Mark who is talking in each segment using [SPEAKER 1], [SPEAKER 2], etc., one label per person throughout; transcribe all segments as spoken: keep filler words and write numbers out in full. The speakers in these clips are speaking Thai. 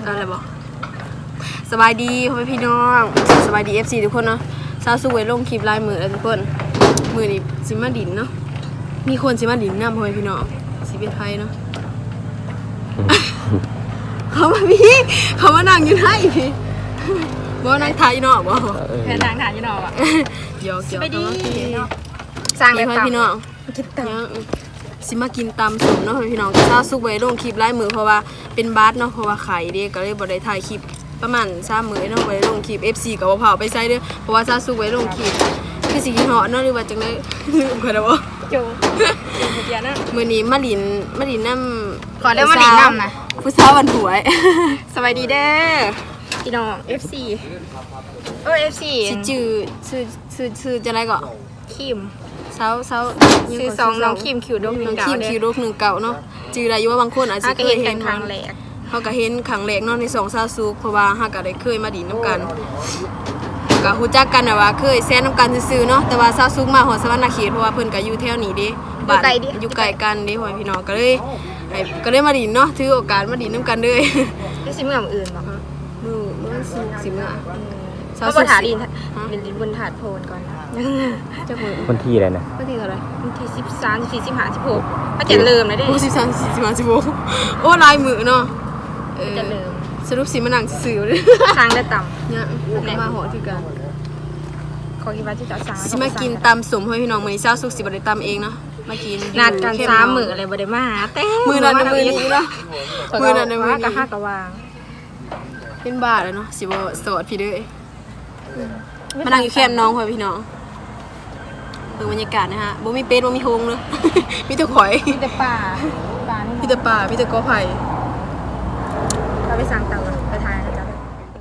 [SPEAKER 1] อะไรบอกสบายดีพ่อพี่น้องสบายดี เอฟ ซี ทุกคนเนาะซาสุไว้ลงคลิปลายมือแล้วทุกคนมือนี่สิมาดินเนาะมีคนสิมาดินน้ำพ่อพี่น้องสิเป็นไทยเนาะ เขามาพี่เขามานั่งอยู่ไหนพี่บ่นั่งถ่ายอยู่เนาะบ่
[SPEAKER 2] แค่นั่งถ่ายอยู่เนาะอ่ะ
[SPEAKER 1] หยอกๆ
[SPEAKER 2] ไปดี
[SPEAKER 1] เนาะ
[SPEAKER 2] สร้างเลย
[SPEAKER 1] พี่น้อง
[SPEAKER 2] กินต
[SPEAKER 1] ำสิมากินตำสุ่มเนาะพี่น้องซาสุไว้ลงคลิปลายมือเพราะว่าเป็นบาสเนาะเพราะว่าไข่เด้ก็เลยบ่ได้ถ่ายคลิปประมาณสามมื้อเนาะไว้ลงคลิป เอฟ ซี ก็บ่เผาไปใส่เด้อเพราะว่าซาสุไว้ลงคลิปคือสิกินเหาะเนาะหรือว่าจังได๋ลืมกันแล้วบ่
[SPEAKER 2] จูเดี๋ยวนะ
[SPEAKER 1] มื้อนี้มาลินมาลินน้ำ
[SPEAKER 2] ขอได้มาลินน้ำนะ
[SPEAKER 1] ผู้สาววันหวย
[SPEAKER 2] สวัสดีเด้อพี่น้อง เอฟ ซี เออ เอฟ ซี
[SPEAKER 1] ชื่อชื่อชื่อชื่อจังได๋ก็
[SPEAKER 2] คิม
[SPEAKER 1] เช้าเช้า
[SPEAKER 2] ชื่อซองน้องคิมคิวดกหนึ่งเก่า
[SPEAKER 1] คิมคิวดกหนึ่งเก่าเนาะชื่ออะไรอยู่ว่าบางคนอาจจะเคยเห็น
[SPEAKER 2] ครั้งแรก
[SPEAKER 1] เขาก็เห็นครั้งแรกเนาะในสองซาซุเพราะว่าเฮาก็ได้เคยมาดินน้ำกันก็ฮู้จักกันน่ะว่าเคยแซนน้ำกันซื่อๆเนาะแต่ว่าซาซุมาฮอดสวรรค์เขตเพราะว่าเพิ่นก็อยู่แถวนี้เด้บ้านอยู่ใกล้กันเด้พ่อพี่น้องก็เลยก็เลยมาดินเนาะถือโอกาสมาดินน้ำกันเลย
[SPEAKER 2] ได้สิเมื่ออื่นบ่
[SPEAKER 1] มื้อมื้อสิเมื่อ
[SPEAKER 2] ซาซุถาดินดินบนถาดโพนก่อน
[SPEAKER 1] จักมื้อ
[SPEAKER 3] วันที่อะไรนะ
[SPEAKER 1] วันที่เท่าไหร่
[SPEAKER 2] วันที่สิบสาม สิบสี่ สิบห้า สิบหกก็จะเริ่มแล้วเด้
[SPEAKER 1] โอ้สิบสาม สิบสี่ สิบห้า สิบหกโอ้ลายมือเนาะเออ
[SPEAKER 2] จะเริ่ม
[SPEAKER 1] สรุปสิมานั่งซื่อๆเด้อ
[SPEAKER 2] สร้างได้ต่ำ
[SPEAKER 1] เนี่ยมาหอคือกัน
[SPEAKER 2] ขอคิดว่าที่จะสร้าง
[SPEAKER 1] สิมากินตำสมให้พี่น้องมื้อนี้เช้าสุกสิบ่ได้ตำเองเนาะมากิน
[SPEAKER 2] นัดกันสามมื้ออะไรบ่ได้มาแต่
[SPEAKER 1] มื้อนั้นมื้อนี้เนาะมื้อนั้นมื้อนี้
[SPEAKER 2] ก็ฮักก็วาง
[SPEAKER 1] เป็นบาทแล้วเนาะสิบ่โสดพี่เด้อมานั่งอยู่แคมป์น้องพ่อพี่น้องเบิ่งบรรยากาศนะฮะบ่มีเป็ดบ่มีโฮงเลยมีแต่ข่อย
[SPEAKER 2] มีแต่ป่าป่านี่
[SPEAKER 1] มีแต่ป่ามีแต่กอไผ่
[SPEAKER 2] เราไปสั่งเตาไปทานกันจ้ะ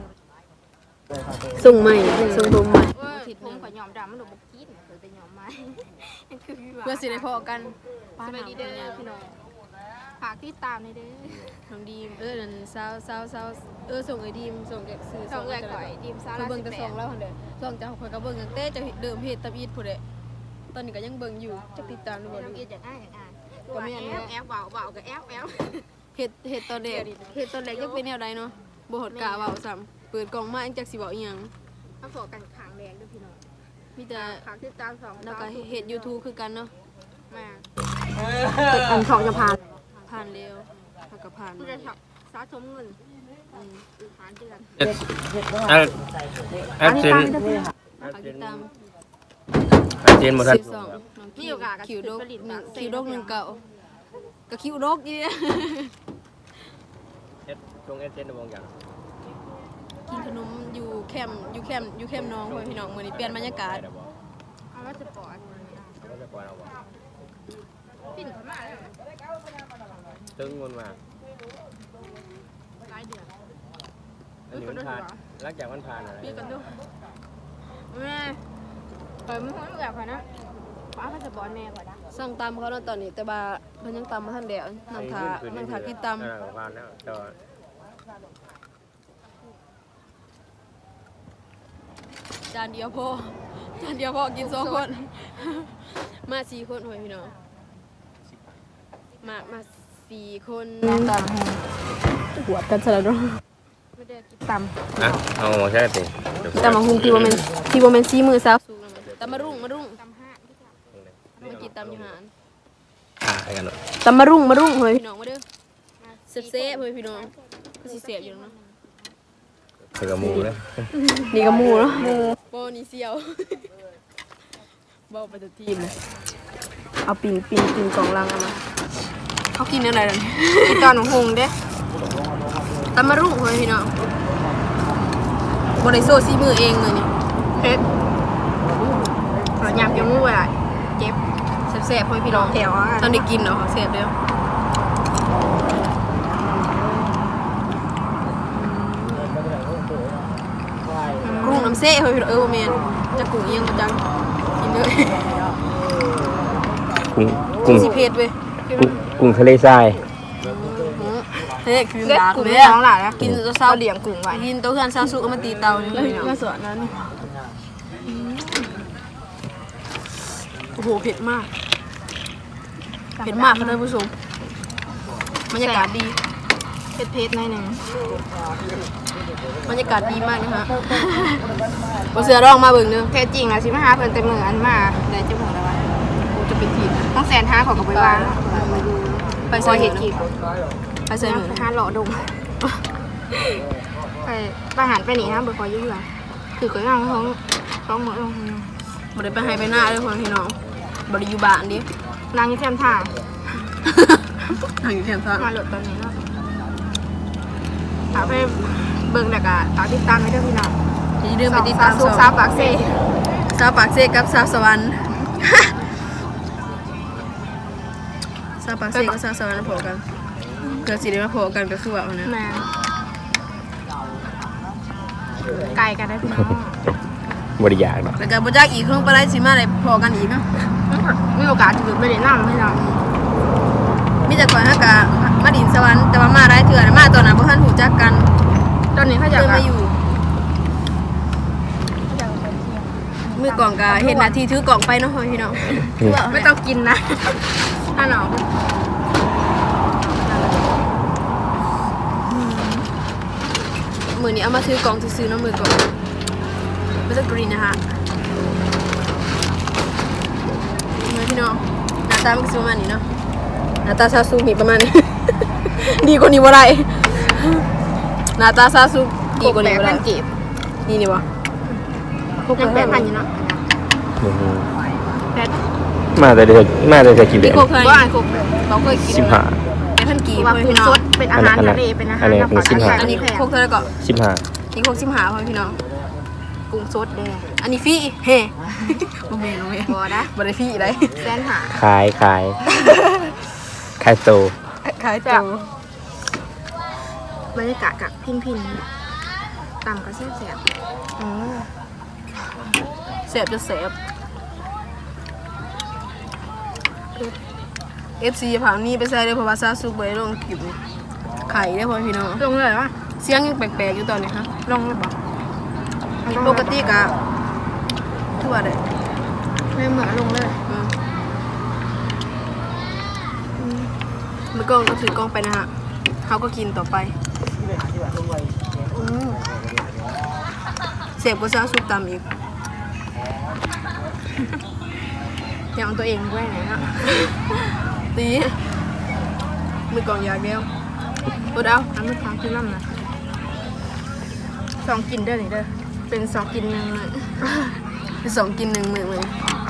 [SPEAKER 1] ส่งใหม่ส่งผมใหม่
[SPEAKER 2] ผิดผมขอยอมดำมันดูบ่กินเพิ่นแต่ยอมใหม่
[SPEAKER 1] เพื่อสิได้พอกัน
[SPEAKER 2] สวัสดีเด้อพี่น้องฝากติดตามให้เด้อ
[SPEAKER 1] น้องดีมเออนั่นสาวๆๆเออส่งไอ้ดีมส่งแกซื้อ
[SPEAKER 2] ส่งเอื้อยก่อยดีมซาลา
[SPEAKER 1] เบิ่งแต่ส่งแล้วหั่นเด้อส่งจากข่อยก็เบิ่งตั้งแต่จะเดิมเฮ็ดตะอีดพุ่นเด้ตอนนี้ก็ยังเบิ่งอยู่จะติดตามดูบ่ดู
[SPEAKER 2] อีดอยากอ่านอยากอ่านก็แม่นแอฟเว้าเว้าก็แอฟแอฟ
[SPEAKER 1] เฮ็ดเฮ็ดตอนแรกเฮ็ดตอนแรกยังเป็นแนวใดเนาะบ่ฮอดกะเว้าซ้ำเปิดกล่องมาอันจักสิเว้าอีหยัง
[SPEAKER 2] มาพอกันข้างแดงเด้อพี่น้อง
[SPEAKER 1] มีแต่
[SPEAKER 2] ฝากติดตามสอง
[SPEAKER 1] แล้วก็เฮ็ด YouTube คือกันเนาะ
[SPEAKER 2] มาอันสองจะผ่าน
[SPEAKER 1] ผ่านเร็วแล้วก็ผ่าน
[SPEAKER 2] ผู้จะสะสมเงินอืมผ่านเดือน
[SPEAKER 3] แอดแอดเซน
[SPEAKER 1] ติดตาม
[SPEAKER 3] แอดเซนบ่ทัน
[SPEAKER 1] มีโอกาสคิวดกคิวดกหนึ่งเก่าก็คิวดกอีเด้อ
[SPEAKER 3] เอ็ดตรงแอดเซนบ่อย่าง
[SPEAKER 1] กินขนมอยู่แคมป์อยู่แคมป์อยู่แคมป์น้องพ่อพี่น้องมื้อนี้เปลี่ยนบรรยากาศ
[SPEAKER 2] เอาว่าจะปล่อย
[SPEAKER 3] เอาจะปล่อยเอาบ่
[SPEAKER 2] ปิ่นเข้ามา
[SPEAKER 3] ตึงมันมา
[SPEAKER 2] หลายเดือน
[SPEAKER 3] อันนี้มันผ่านหลังจากมันผ่านอะไร
[SPEAKER 2] พี่กันดูแม่เปิดมือให้แบบนะป้าเขาจะบอลแม่ก่อนนะ
[SPEAKER 1] สั่งตามเขาแล้วตอนนี้แต่ว่าเพิ่นยังตามมาทันเดียวนั่งทานั่งทากินตามจานเดียวพอจานเดียวพอกินสองคนมาสี่คนพ่อพี่น้องมามาสี่คนตามหัวกันซะแล้วเนาะ
[SPEAKER 2] ไม่ได้กินตำ
[SPEAKER 3] นะเอาใช่ติ
[SPEAKER 1] ตำมาหุงที่ว่ามันที่ว่ามันซีมือซาวสูงตำมารุ่งมารุ่ง
[SPEAKER 2] ตำห้า
[SPEAKER 1] มากินตำอยู่หาน
[SPEAKER 3] อ่าให้กันเนาะ
[SPEAKER 1] ตำมารุ่งมารุ่งพ่อพี่น้องมาเด้อเซ่บเซ่พ่อพี่น้องก็สิเสียบอยู่เนาะ
[SPEAKER 3] นี่ก็มูนะ
[SPEAKER 1] นี่ก็มูเนาะมูโบนี่เสียวเบาไปตัวทีมเลยเอาปิ่นปิ่นปิ่นกล่องลังเอามาเขากินอะไรกัน
[SPEAKER 2] กินตอนหงเด้
[SPEAKER 1] ตำมารุ่งพ่อพี่น้องบริโซซีมือเองเลยนี่
[SPEAKER 2] เฮ็ดเราหยาบยังงูอะไรเจ็บ
[SPEAKER 1] แซ่บๆพ่อพี่น้อง
[SPEAKER 2] แถว
[SPEAKER 1] ตอนได้กินเนาะแซ่บเด้อกุ้งน้ำเซ่พ่อพี่น้องเออแม่นจะกุ้งยังบ่จังกินเด้อ
[SPEAKER 3] กุ้งกุ้ง
[SPEAKER 1] สิเผ็ดเว้ย
[SPEAKER 3] กุ้งทะเลทราย
[SPEAKER 1] เฮ้ยคือ
[SPEAKER 2] หลักเลยน้องหล่ะนะ
[SPEAKER 1] กินตัวเศร้า
[SPEAKER 2] เลี้ยงกุ้งไว้
[SPEAKER 1] กินตัวเพื่อนเศร้าสุกมาตีเตานี่มาสวนนั้นโอ้โหเผ็ดมากเผ็ดมากค่ะท่านผู้ชมบรรยากาศดี
[SPEAKER 2] เพชรๆหน่อยหนึง
[SPEAKER 1] บรรยากาศดีมากนะคะบ่เสือร้องมาเบิ่งเด้อ
[SPEAKER 2] แท้จริงอ่ะสิมาหาเพิ่นแต่มื้ออันมาได้จังหวะแล้วว่า
[SPEAKER 1] โอ้จะเป็นทีม
[SPEAKER 2] ต้องแสนห้าของกับไปวางมาดู
[SPEAKER 1] ไป
[SPEAKER 2] พ
[SPEAKER 1] ใส่
[SPEAKER 2] อ
[SPEAKER 1] เห็
[SPEAKER 2] เห็
[SPEAKER 1] ด
[SPEAKER 2] ด
[SPEAKER 1] กี
[SPEAKER 2] กี
[SPEAKER 1] บบ ไปใส่หมือ
[SPEAKER 2] ห้าหล่อดงไปประหารไปหนีนะบ่พอยุ่งเลยคือก็นั่งท้องท้องหมดลง
[SPEAKER 1] บ่ได้ไปให้ไปหน้าเด้อพ่อพี่น้องบ่ได้อยู่บ้านดิ
[SPEAKER 2] นางยี่แคมท่า
[SPEAKER 1] ทางอยู่แคมป์ซ่า
[SPEAKER 2] มาหลดตอนนี้เนาะถามไปเบิ่งแล้วก็ฝากติดตามไว้ด้วยพี่น้อง
[SPEAKER 1] อย่าลืมไปติดตาม
[SPEAKER 2] ซุกซาปากเซ่
[SPEAKER 1] สาวปากเซกับสาวสวรรค์ สาวปากเซกับสาวสวรรค์พอกันเกิดสิได้มาพอกันก็คือว่าอันนั้น
[SPEAKER 2] แม่ไกลกันได้พี่น้อง
[SPEAKER 3] บริยากเนาะ
[SPEAKER 1] แล้วก็บ่จักอีกคงบ่ได้สิมาได้พอกันอีกเนาะ
[SPEAKER 2] มีโอกาสถือไปเล่นน้ำพี่น้อง
[SPEAKER 1] มีแต่ก่อนฮักกะมาดินสวรรค์แต่ว่ามาได้เถื่อนะมาตอนนั้นบ่ทันรู้จักกัน
[SPEAKER 2] ตอนนี้เขา
[SPEAKER 1] เจ
[SPEAKER 2] จะ
[SPEAKER 1] อมาอยู่มือกล่องก็เห็นหน้าที่ถือกล่องไปเนาะพี่น้องคือว่า
[SPEAKER 2] ไม่ต้องกินนะถ้าหนาว
[SPEAKER 1] มือนี้เอามาถือกล่องซื้อๆเนาะมือกล่องไม่ต้องกรีนนะฮะมาพี่น้องหน้าตามันก็สิประมาณนี้เนาะหน้าตาซาซูมีประมาณนี้ ดีกว่านี้บ่ได้หน้าตาซาซูดีกว่านี้บ่
[SPEAKER 2] พั
[SPEAKER 1] ได้
[SPEAKER 2] นกีบ
[SPEAKER 1] นี่นี่บ่พวก
[SPEAKER 2] ยังแปดพันอยู่เนาะ
[SPEAKER 3] อือฮึ
[SPEAKER 2] แปด
[SPEAKER 3] มาแต่เดือนมาแต่จะกี่เดื
[SPEAKER 1] พี่
[SPEAKER 3] อน
[SPEAKER 1] โคเคย
[SPEAKER 2] ว่าอ่านครบเลย
[SPEAKER 1] เราเคยกิน
[SPEAKER 3] สิบห้า
[SPEAKER 1] เป็นพันกีบ
[SPEAKER 2] ว่า
[SPEAKER 1] พ่อ
[SPEAKER 2] กุ้
[SPEAKER 1] พี่
[SPEAKER 2] ง
[SPEAKER 1] น้อง
[SPEAKER 2] สดเป็นอาหารทะเลเป็นอาหาร
[SPEAKER 3] อันนี้
[SPEAKER 2] น้ำปลา
[SPEAKER 3] อันนี้
[SPEAKER 1] อันนี้
[SPEAKER 2] แพง
[SPEAKER 1] โคกเท่าไหร่ก็
[SPEAKER 3] สิบห้า
[SPEAKER 1] นี่โคกสิบห้าพ่อพี่น้อง
[SPEAKER 2] กุ้งสดแดง
[SPEAKER 1] อันนี้ฟรีเฮ้บ่แม่นบ่แม่น
[SPEAKER 2] บัวนะ
[SPEAKER 1] บ่ได้ฟรีได้
[SPEAKER 2] แสนหา
[SPEAKER 3] ขายขายขายโต
[SPEAKER 1] ขายตัว
[SPEAKER 2] บรรยากาศกับพินพินต่ำก็แซ่บแซ่บ
[SPEAKER 1] อืมเสียบจะเสียบ เอฟ ซี ผังนี้ไปใส่เลยเพราะว่าซาซุกบ่ได้ลงคลิปนี่ไข่ได้อพ่อพี่น้อง
[SPEAKER 2] ลงเลยวะ
[SPEAKER 1] เสียงยังแปลกๆอยู่ตอนนี้ฮะ
[SPEAKER 2] ลงเลยปะ
[SPEAKER 1] ปกติก็คือว่าได้
[SPEAKER 2] ไม่เหมือนลงเลย
[SPEAKER 1] อืมมือกล้องก็ถือกล้องไปนะฮะเขาก็กินต่อไปอืมเสียบก็ซาซุกตามอีก
[SPEAKER 2] ยังเอาตัวเองไว้ไหนฮะ
[SPEAKER 1] ตีมือกล่องอยากเดียวปวดเอา
[SPEAKER 2] น้ำมันค้างขึ้นน้ำนะสองกินเด้อนี่เด้อเป็นสองกินหนึ่งมื้อ
[SPEAKER 1] ไปสองกินหนึ่งมือเลย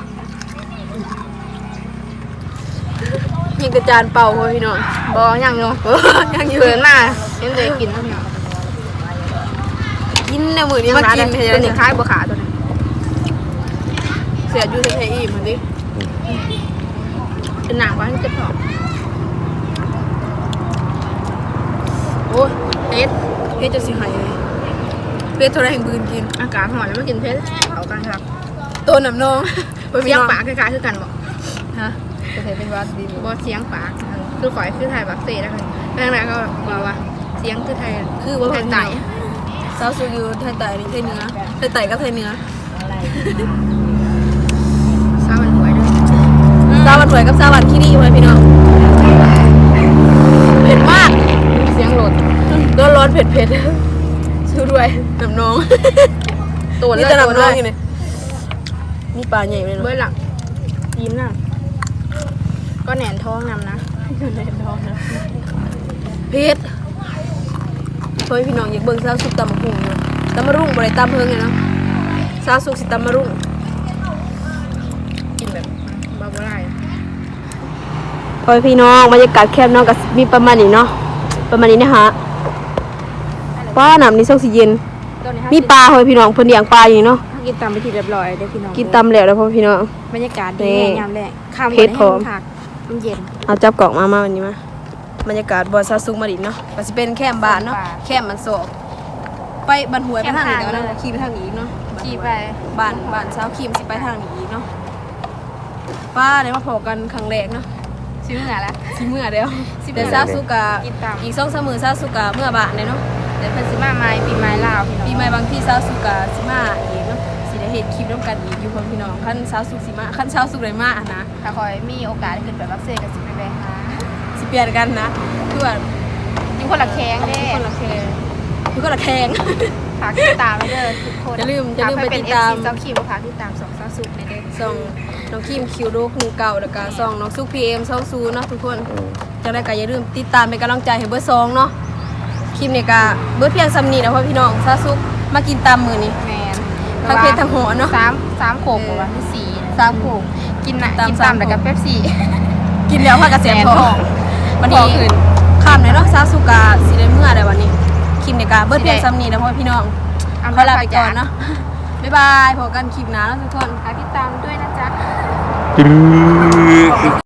[SPEAKER 1] ยิงกระจานเป่าพ่อพี่น้อง
[SPEAKER 2] บอยังอยู่
[SPEAKER 1] เออยังอยู่
[SPEAKER 2] เกินมาเห็นเลยกินแล้วเนี่ย
[SPEAKER 1] กินในมือนี้มากิน
[SPEAKER 2] เป็
[SPEAKER 1] เห็น
[SPEAKER 2] น
[SPEAKER 1] ไห
[SPEAKER 2] หนึ่งคล้ายบัวขาตัวนี้
[SPEAKER 1] เสียอยู่เทอีเหมือนดิ
[SPEAKER 2] เป็นหนังว่าที่จะถอด
[SPEAKER 1] โอ้ยเอ็ดเอ็ดจะสิหายเลยเป็ดโทรแห่งบืนกิน
[SPEAKER 2] อากาศหอนแล้วไม่กินเพชรเผากันครับ
[SPEAKER 1] ตัวหนำนอง
[SPEAKER 2] เสียงปากคล้ายๆคือกันบอก
[SPEAKER 1] ฮะจะใส่เป็นวัดดิน
[SPEAKER 2] บอเสียงปากคือฝ่ายคือไทยบักเซ่แล้วกันดังนั้นก็บอกว่าเสียงคือไทย
[SPEAKER 1] คือว่า
[SPEAKER 2] ไท
[SPEAKER 1] เพิ่
[SPEAKER 2] ย
[SPEAKER 1] น
[SPEAKER 2] ไต่
[SPEAKER 1] สาวสูอยู่ไทยไต่นี่ไทยเหนือไทยไต่ก็ไทยเหนือ
[SPEAKER 2] สาวมันหวยด้วย
[SPEAKER 1] ซาวันถวยกับซาวันขี้ดีอยู่ไหมพี่น้องเผ็ดมาก
[SPEAKER 2] เสียงโหลด
[SPEAKER 1] ร้อนร้อนเผ็ดเผ็ดสู้ด้วยน้ำน้อง
[SPEAKER 2] ตัว
[SPEAKER 1] นี่
[SPEAKER 2] เลือ
[SPEAKER 1] จะ
[SPEAKER 2] ด
[SPEAKER 1] น้ำน้องอยู่เนี่ยนี่ปลาใหญ่เลย
[SPEAKER 2] เบื้อ
[SPEAKER 1] เนาะ
[SPEAKER 2] หลังยิ้มน่ะก็แหนนท้องนำนะ
[SPEAKER 1] แน่นอนนะเผ็ดเฮ้ยพี่น้องอยากเบิ่งซาสุกตำมะพุ่งเนาะตำมะรุ่งบ่ได้ตำเพิ่งเลยเนาะซาสุกสิตำมะรุ่ง
[SPEAKER 2] กินแบบบาบาร่า
[SPEAKER 1] เฮ้ยพี่น้องบรรยากาศแคบเนาะก็มีประมาณนี้เนาะประมาณนี้นะฮะป้าน้ำนี่ซอกสิเย็นมีปลาเฮ้ยพี่น้องเพิ่นเลี้ยงปลาอยู่เนาะ
[SPEAKER 2] กินตามไปทีเรียบร้อยเด้อพี่น้อง
[SPEAKER 1] กินตำแล้วแล้วพ่อพี่น้อง
[SPEAKER 2] บรรยากาศดี
[SPEAKER 1] นี่
[SPEAKER 2] แห้งยามแรกข้าม
[SPEAKER 1] เพชรพร้อม
[SPEAKER 2] ผักมันเย็น
[SPEAKER 1] เอาจับกล่องมามาวันนี้มาบรรยากาศบ่อซาซุกมาดินเนาะก็สิเป็นแคมป์บ้านเนาะ
[SPEAKER 2] บ้าน
[SPEAKER 1] แคมป์มันโศกไปบันหวยไปทางนี้
[SPEAKER 2] แคมป์
[SPEAKER 1] เนาะ
[SPEAKER 2] ทางเลย
[SPEAKER 1] ขี่ไปทางนี้อีกเนาะ
[SPEAKER 2] ขี่ไป
[SPEAKER 1] บ้านบ้านเช้าขี่มสิไปทางนี้อีกเนาะป้าได้มาพอกันครั้งแรกเนาะ
[SPEAKER 2] ซื้อเหงื่อแล้ว
[SPEAKER 1] สิเมื่อเดียว
[SPEAKER 2] สิเมื่
[SPEAKER 1] แต่
[SPEAKER 2] อ
[SPEAKER 1] ซาซุกะ
[SPEAKER 2] กินตาม
[SPEAKER 1] อีกสองสามมื้อซาซุกะเมื่อบ้านเลยเนาะ
[SPEAKER 2] เดี๋ยวเพิ่นสิมาใหม่ปีใหม่ลาวพี่น้อง
[SPEAKER 1] ปีใหม่บางที่ซาซุกะสิมาอีกเนาะสิได้เฮ็ดคลิปร่วมกันอีกอยู่พ่อพี่น้องคันซาซุกสิมาคันซาซุกได้มาอะนะ
[SPEAKER 2] ถ้าคอยมีโอกาสได้ขึ้นไปบักเซ่ก็สิไปแวะหา
[SPEAKER 1] สิเปลี่ยนกันนะคือว่า
[SPEAKER 2] อยู่คนละแข้งเด้
[SPEAKER 1] คนละแคงอยู่คนละแคง
[SPEAKER 2] ฝากติดตามไว้เด้อทุกคน
[SPEAKER 1] อย่าลืมอย่าลืมไปติดตาม
[SPEAKER 2] เป็น เอฟ ซี เจ้าคิวฝากติดตามสองสาวสุดในเด้อ
[SPEAKER 1] ส่องน้องคิมคิวโดกหนึ่งเก่าแล้วก็ส่องน้องซุกพีเอ็มเซาซูเนาะทุกคนจังได้ก็อย่าลืมติดตามเป็นกำลังใจให้เบอร์สองเนาะคลิปนี้ก็เบิดเพียงซ้ำนี้นะพ่อพี่น้องซาซุกมากินตามมื้อนี้
[SPEAKER 2] แมน
[SPEAKER 1] ทั้งเพชรทั้งหัวเนาะ
[SPEAKER 2] สามสามโขกบอกว่าที่สี่
[SPEAKER 1] สามโขก
[SPEAKER 2] กินน่ะ
[SPEAKER 1] ตาม
[SPEAKER 2] กิน
[SPEAKER 1] สา
[SPEAKER 2] ตาม มแล้วก็เป๊ปซี่
[SPEAKER 1] กินแล้วพากระเสีย
[SPEAKER 2] แสน
[SPEAKER 1] ท
[SPEAKER 2] ท
[SPEAKER 1] อ
[SPEAKER 2] อง ง
[SPEAKER 1] วัน
[SPEAKER 2] พอ
[SPEAKER 1] นี้
[SPEAKER 2] ขึ้น
[SPEAKER 1] ข้ามเลยเนาะซาซุกาสิได้เมื่อได้วันนี้คลิปนี้ก็เบิดเพียงซ้ำนี้นะพ่อพี่น้องขอลาไปก่อนเนาะบ๊ายบายพบกันคลิปหน้าแล้วทุกคน
[SPEAKER 2] ฝากติดตามด้วยนะจ๊ะ
[SPEAKER 3] ตึ๊ด